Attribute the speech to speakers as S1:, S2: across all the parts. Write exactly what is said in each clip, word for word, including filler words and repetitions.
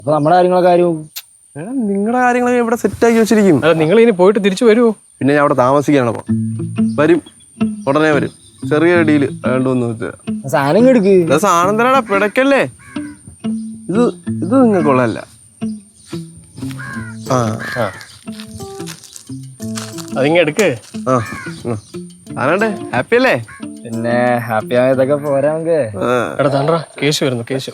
S1: അപ്പൊ നമ്മുടെ കാര്യങ്ങളൊക്കെ ആരും
S2: നിങ്ങളുടെ കാര്യങ്ങളൊക്കെ ഇവിടെ സെറ്റ് ആക്കി വെച്ചിരിക്കും.
S3: നിങ്ങൾ ഇനി പോയിട്ട് തിരിച്ചു വരുമോ?
S2: പിന്നെ ഞാൻ അവിടെ താമസിക്കാണ്. അപ്പൊ വരും, ഉടനെ വരും. ചെറിയ ഡീല് വേണ്ടോന്ന് വെച്ചാ
S1: സാധനം എടുക്ക്.
S2: സാധനം തരാടാ, പിടക്കല്ലേ. ഇത് ഇത് നിങ്ങൾക്കുള്ളതല്ല. ആ
S3: അതിങ്ങ എടുക്ക്.
S2: ആ ആരാണ്ടേ ഹാപ്പി അല്ലേ?
S1: പിന്നെ ഹാപ്പി ആയതൊക്കെ പോരാ നമുക്ക്.
S3: എടാ താണ്ടാ കേശു വരുന്നു. കേശു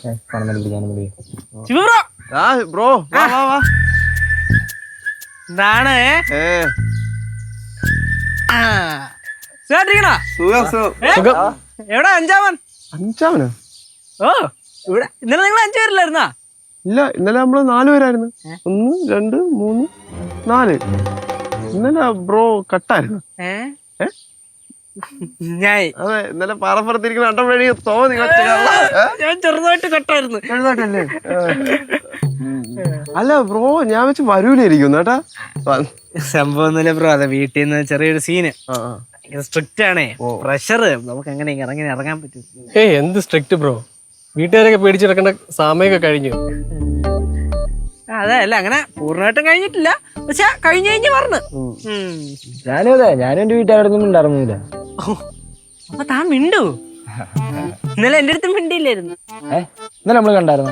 S2: ബ്രോ വാ വാ വാ.
S4: എന്താണ് എവിടെ അഞ്ചാമൻ?
S2: അഞ്ചാമനോ?
S4: ഓ ഇവിടെ ഇന്നലെ നിങ്ങൾ അഞ്ചു പേരില്ലായിരുന്നാ?
S2: ഇല്ല, ഇന്നലെ നമ്മള് നാലു പേരായിരുന്നു. ഒന്ന് രണ്ട് മൂന്ന് നാല്. ഇന്നലെ ബ്രോ കട്ടായിരുന്നു.
S4: ഞാൻ
S2: അതെ, ഇന്നലെ പാറപ്പുറത്തിരിക്കുന്ന അട്ടം വഴി തോന്നി.
S4: ഞാൻ ചെറുതായിട്ട് കട്ടായിരുന്നു.
S2: ചെറുതായിട്ടല്ലേ? അല്ല ബ്രോ, ഞാൻ വെച്ച് വരൂലായിരിക്കും കേട്ടാ.
S4: സംഭവം ഒന്നുമില്ല ബ്രോ, അതെ വീട്ടിൽ നിന്ന് ചെറിയൊരു സീന്. സ്ട്രിക്റ്റ് ആണേ, പ്രഷർ. നമുക്ക് എങ്ങനെ ഇറങ്ങി ഇറങ്ങാൻ പറ്റും?
S3: ഏയ് എന്ത് സ്ട്രിക്റ്റ് ബ്രോ, വീട്ടുകാരൊക്കെ പേടിച്ചെടുക്കേണ്ട സമയമൊക്കെ കഴിഞ്ഞു.
S4: അതെ, അല്ല അങ്ങനെ പൂർണ്ണമായിട്ടും കഴിഞ്ഞിട്ടില്ല, പക്ഷെ കഴിഞ്ഞു കഴിഞ്ഞ് പറഞ്ഞു.
S1: ഞാനും അതെ, ഞാനും എന്റെ വീട്ടുകാരൊന്നും ഉണ്ടായിരുന്നില്ല.
S4: അപ്പൊ താൻ മിണ്ടു. ഇന്നലെ എന്റെ അടുത്തും മിണ്ടിയില്ലായിരുന്നു.
S1: ഏ ഇന്നലെ നമ്മള് കണ്ടായിരുന്നു.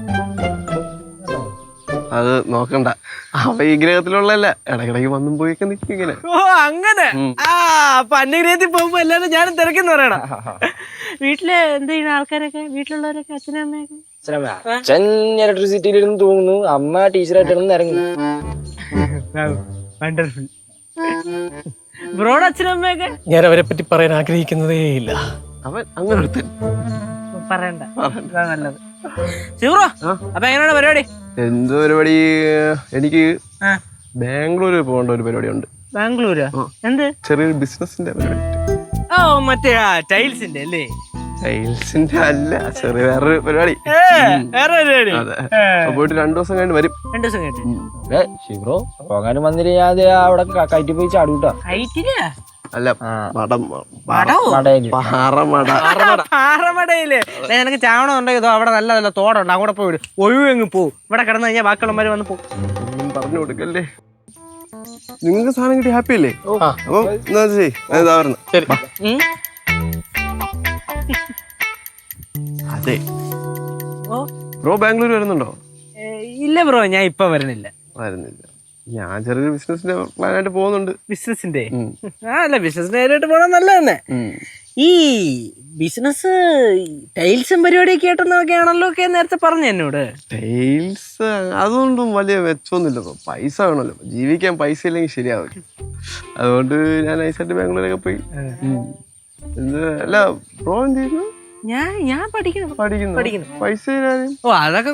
S2: അത് നോക്കണ്ട, അവ ഈ ഗ്രഹത്തിലുള്ളല്ല, ഇടക്കിടക്ക് വന്നും പോയിക്കെ നിൽക്കും ഇങ്ങനെ.
S4: ഓ അങ്ങനെ. ആ അപ്പൊ അന്യഗ്രഹത്തിൽ പോകുമ്പോ എല്ലാരും ഞാനും തിരക്കെന്ന് പറയണം. വീട്ടില് എന്ത് ചെയ്യുന്ന ആൾക്കാരൊക്കെ, വീട്ടിലുള്ളവരൊക്കെ, അച്ഛനും അമ്മയൊക്കെ?
S1: അച്ഛൻ ഇലക്ട്രിസിറ്റിയിലിരുന്ന് തൂങ്ങുന്നു, അമ്മ ടീച്ചറായിട്ടിരുന്ന് ഇറങ്ങി.
S4: വണ്ടർഫുൾ. ബ്രോഡ് അച്ഛനും അമ്മയൊക്കെ?
S3: ഞാൻ അവരെ പറ്റി പറയാൻ ആഗ്രഹിക്കുന്നതേ ഇല്ല.
S2: അവൻ അങ്ങനെ എടുത്ത്
S4: പറയണ്ട, നല്ലത്. ശിവറോ, അപ്പൊ എങ്ങനെയാണ് പരിപാടി?
S2: എന്ത് പരിപാടി? എനിക്ക് ബാംഗ്ലൂര് പോകേണ്ട ഒരു പരിപാടി ഉണ്ട്.
S4: ബാംഗ്ലൂരാ? എന്ത്?
S2: ചെറിയൊരു ബിസിനസിന്റെ പരിപാടി.
S4: ഓ മറ്റേ ആ ടൈൽസിന്റെ അല്ലേ?
S2: ടൈൽസിന്റെ അല്ല, ചെറിയ വേറൊരു പരിപാടി.
S4: വേറെ പരിപാടി.
S2: അതെ, പോയിട്ട് രണ്ടു ദിവസം കഴിഞ്ഞ് വരും.
S4: രണ്ടു ദിവസം കഴിഞ്ഞിട്ട്?
S1: ശിവറോ പോകാനും വന്നിട്ട് ഞാൻ അവിടെ കയറ്റി പോയി ചാടൂട്ടാ.
S2: അല്ല, മടം
S4: പാറമടയില് നിനക്ക് ചാവണം ഉണ്ടെങ്കിൽ അവിടെ നല്ല നല്ല തോടുണ്ട്, അവിടെ പോയി വിടും. ഒഴിവെങ്ങ് പോവും. ഇവിടെ കിടന്നു കഴിഞ്ഞാൽ ബാക്കിയുള്ളവര് വന്ന് പോകും.
S2: പറഞ്ഞു കൊടുക്കല്ലേ. നിങ്ങൾക്ക് സാധനം കിട്ടി ഹാപ്പി അല്ലേ? അപ്പൊ എന്താ ഇതാ പറഞ്ഞു. അതെ ബ്രോ, ബാംഗ്ലൂർ വരുന്നുണ്ടോ?
S4: ഇല്ല ബ്രോ, ഞാൻ ഇപ്പൊ വരണില്ല.
S2: വരുന്നില്ല. ഞാൻ ചെറിയൊരു ബിസിനസിന്റെ പ്ലാൻ ആയിട്ട് പോകുന്നുണ്ട്.
S4: ബിസിനസിന്റെ? ആ അല്ല, ബിസിനസിന്റെ കാര്യമായിട്ട് പോകണം നല്ല തന്നെ. ഈ ബിസിനസ് ടൈൽസും പരിപാടിയൊക്കെ ആയിട്ടൊന്നൊക്കെയാണല്ലോ ഒക്കെ നേരത്തെ പറഞ്ഞു എന്നോട്.
S2: ടൈൽസ് അതുകൊണ്ടും വലിയ മെച്ചമൊന്നുമില്ല. പൈസ വേണമല്ലോ, ജീവിക്കാൻ പൈസ ഇല്ലെങ്കിൽ ശരിയാവില്ല. അതുകൊണ്ട് ഞാൻ നൈസായിട്ട് ബാംഗ്ലൂരൊക്കെ പോയി. അല്ല ബ്രോ എന്ത് ചെയ്യുന്നു?
S4: ഞാൻ ഞാൻ പഠിക്കുന്നു
S2: പഠിക്കുന്നു പഠിക്കുന്നു പൈസ തരാനും.
S4: ഓ അതൊക്കെ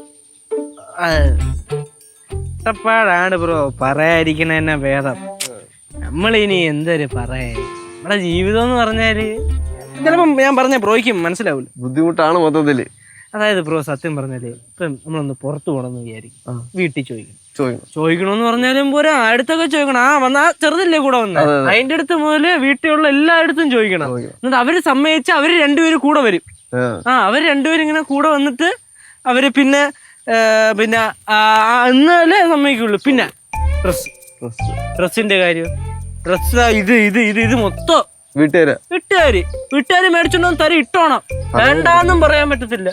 S4: കഷ്ടപ്പാടാണ് ബ്രോ, പറയാതിരിക്കണ തന്നെ ഭേദം. നമ്മളിനി എന്തൊരു പറയാ, നമ്മുടെ ജീവിതം എന്ന് പറഞ്ഞാല് ചിലപ്പം ഞാൻ പറഞ്ഞ ബ്രോയ്ക്കും മനസ്സിലാവില്ല.
S2: ബുദ്ധിമുട്ടാണ് മൊത്തത്തില്.
S4: അതായത് ബ്രോ സത്യം പറഞ്ഞാല് ഇപ്പം നമ്മളൊന്ന് പുറത്തു പോകണമെന്ന് വിചാരിക്കും, വീട്ടിൽ ചോദിക്കും.
S2: ചോദിക്കണമെന്ന്
S4: പറഞ്ഞാലും പോരാ, അടുത്തൊക്കെ ചോദിക്കണം. ആ വന്നാ ചെറുതല്ലേ കൂടെ വന്ന, അതിന്റെ അടുത്ത് മുതല് വീട്ടിലുള്ള എല്ലായിടത്തും ചോദിക്കണം. എന്നിട്ട് അവര് സമ്മതിച്ച് അവര് രണ്ടുപേരും കൂടെ വരും. ആ അവര് രണ്ടുപേരും ഇങ്ങനെ കൂടെ വന്നിട്ട് അവര് പിന്നെ പിന്നെ എന്നാലേ സമ്മതിക്കുള്ളൂ. പിന്നെ ഡ്രസ് ഡ്രസ്സിന്റെ കാര്യം, ഡ്രസ് ഇത് ഇത് ഇത് ഇത് മൊത്തം
S2: വീട്ടുകാര്
S4: വീട്ടുകാര് വീട്ടുകാര് മേടിച്ചോണ്ടോ തരം ഇട്ടോണം, വേണ്ടാന്നും പറയാൻ പറ്റത്തില്ല.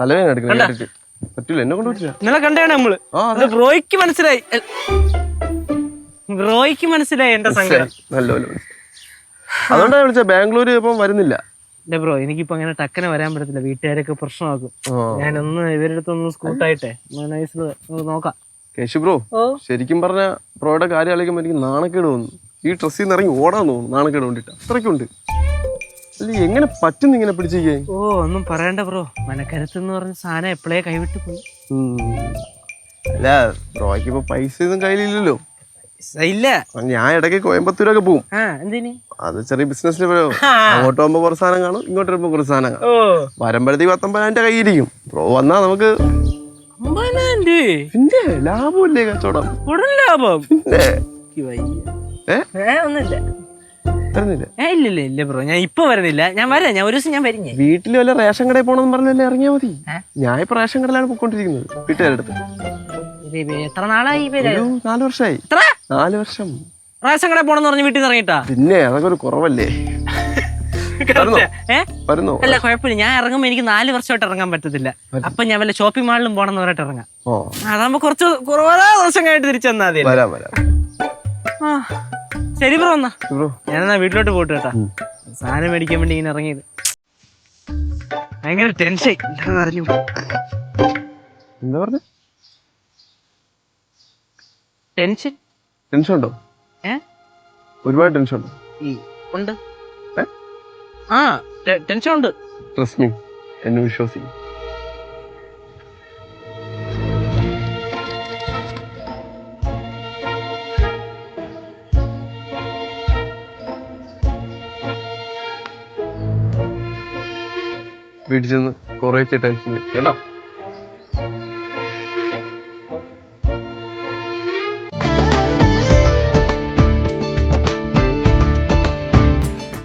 S4: ഇന്നലെ കണ്ടാണ് നമ്മള്. ബ്രോയ്ക്ക് മനസ്സിലായി, ബ്രോയ്ക്ക് മനസ്സിലായി എന്റെ സങ്കടം.
S2: അതുകൊണ്ടാണ് വിളിച്ച. ബാംഗ്ലൂര് ഇപ്പം വരുന്നില്ല.
S4: ഇല്ല ബ്രോ, എനിക്കിപ്പോ അങ്ങനെ ടക്കനെ വരാൻ പറ്റത്തില്ല, വീട്ടുകാരൊക്കെ പ്രശ്നമാക്കും. ഞാനൊന്ന് ഇവരുടെ അടുത്തൊന്ന് സ്കൂട്ടായിട്ടെ നൈസിൽ നോക്കാം.
S2: കേശു ബ്രോ, ശരിക്കും പറഞ്ഞ ബ്രോയുടെ കാര്യം ആലോചിക്കുമ്പോ എനിക്ക് നാണക്കേട് തോന്നുന്നു. ഈ ഡ്രസ്സിൽ നിന്ന് ഇറങ്ങി ഓടാൻ തോന്നുന്നു, നാണക്കേട് കൊണ്ടിട്ട്. അത്രയ്ക്കുണ്ട്. അല്ല എങ്ങനെ പറ്റുന്നു ഇങ്ങനെ പിടിച്ചിരിക്കാൻ?
S4: ഓ ഒന്നും പറയണ്ട ബ്രോ, മനക്കരുത്ത് എന്ന് പറഞ്ഞ സാധനം എപ്പോഴേ കൈവിട്ട് പോയി.
S2: അല്ല ബ്രോയ്ക്ക് ഇപ്പൊ പൈസ ഒന്നും കയ്യിലില്ലല്ലോ.
S4: ഇല്ല,
S2: ഞാൻ ഇടയ്ക്ക് കോയമ്പത്തൂരൊക്കെ പോകും. അത് ചെറിയ ബിസിനസ്സിന് പോയോ, അങ്ങോട്ട് പോകുമ്പോ കുറച്ച് സാധനം കാണും, ഇങ്ങോട്ട് വരുമ്പോ കുറച്ച് സാധനം കാണും. വരുമ്പോഴത്തേക്ക് പത്തൊമ്പതിനായിരം രൂപ കയ്യിരിക്കും. ബ്രോ വന്നാ നമുക്ക് പിന്നെ ലാഭമില്ലേ കച്ചവടം?
S4: ലാഭം
S2: പിന്നെ
S4: ഒന്നുമില്ല.
S2: വരുന്നില്ല.
S4: ഏ ഇല്ല ഇല്ല ഇല്ല ബ്രോ, ഞാൻ ഇപ്പൊ വരുന്നില്ല. ഞാൻ വരാം, ഞാൻ ഒരു ദിവസം ഞാൻ വരിഞ്ഞേ.
S2: വീട്ടിൽ വല്ല റേഷൻ കടയിൽ പോണെന്ന് പറഞ്ഞല്ലേ ഇറങ്ങിയാ മതി. ഞാൻ ഇപ്പൊ റേഷൻ കടയിലാണ് പോയിക്കൊണ്ടിരിക്കുന്നത് വീട്ടുകാരുടെ അടുത്ത്.
S4: എത്ര നാളായി
S2: ഒരു നാല് വർഷമായി. നാല് വർഷം.
S4: റേഷൻ കടയിൽ പോണെന്ന് പറഞ്ഞ് വീട്ടിൽ നിന്ന് ഇറങ്ങിട്ടാ?
S2: പിന്നെ അതൊക്കെ ഒരു കുറവല്ലേ. വരുന്നോ?
S4: അല്ല കുഴപ്പമില്ല, ഞാൻ ഇറങ്ങുമ്പോ എനിക്ക് നാല് വർഷമായിട്ട് ഇറങ്ങാൻ പറ്റത്തില്ല. അപ്പൊ ഞാൻ വല്ല ഷോപ്പിംഗ് മാളിലും പോണെന്ന് പറഞ്ഞിട്ട് ഇറങ്ങാം. അതാകുമ്പോ കുറച്ച് കുറവാ ദിവസം കഴിഞ്ഞിട്ട് തിരിച്ചെന്നാ മതി.
S2: വരാം വരാം.
S4: ആ ശരി ബ്രോ, എന്നാ
S2: ബ്രോ
S4: ഞാനെന്നാ വീട്ടിലോട്ട് പോട്ട് കേട്ടാ. സാധനം മേടിക്കാൻ വേണ്ടി ഇങ്ങനെ ഇറങ്ങിയത്. ഭയങ്കര ടെൻഷൻ. അറിഞ്ഞു
S2: എന്താ പറഞ്ഞ?
S4: ടെൻഷൻ
S2: ടെൻഷൻ ഉണ്ടോ?
S4: ഏ
S2: ഒരുപാട് ടെൻഷൻ ഉണ്ടോ?
S4: ഉണ്ട്. ആ ടെൻഷൻ ഉണ്ട്.
S2: ട്രസ്റ്റ് മീ, എന്നെ വിശ്വസിക്കും. വീട്ടിൽ ചെന്ന് കുറേ ടെൻഷൻ കേട്ടോ.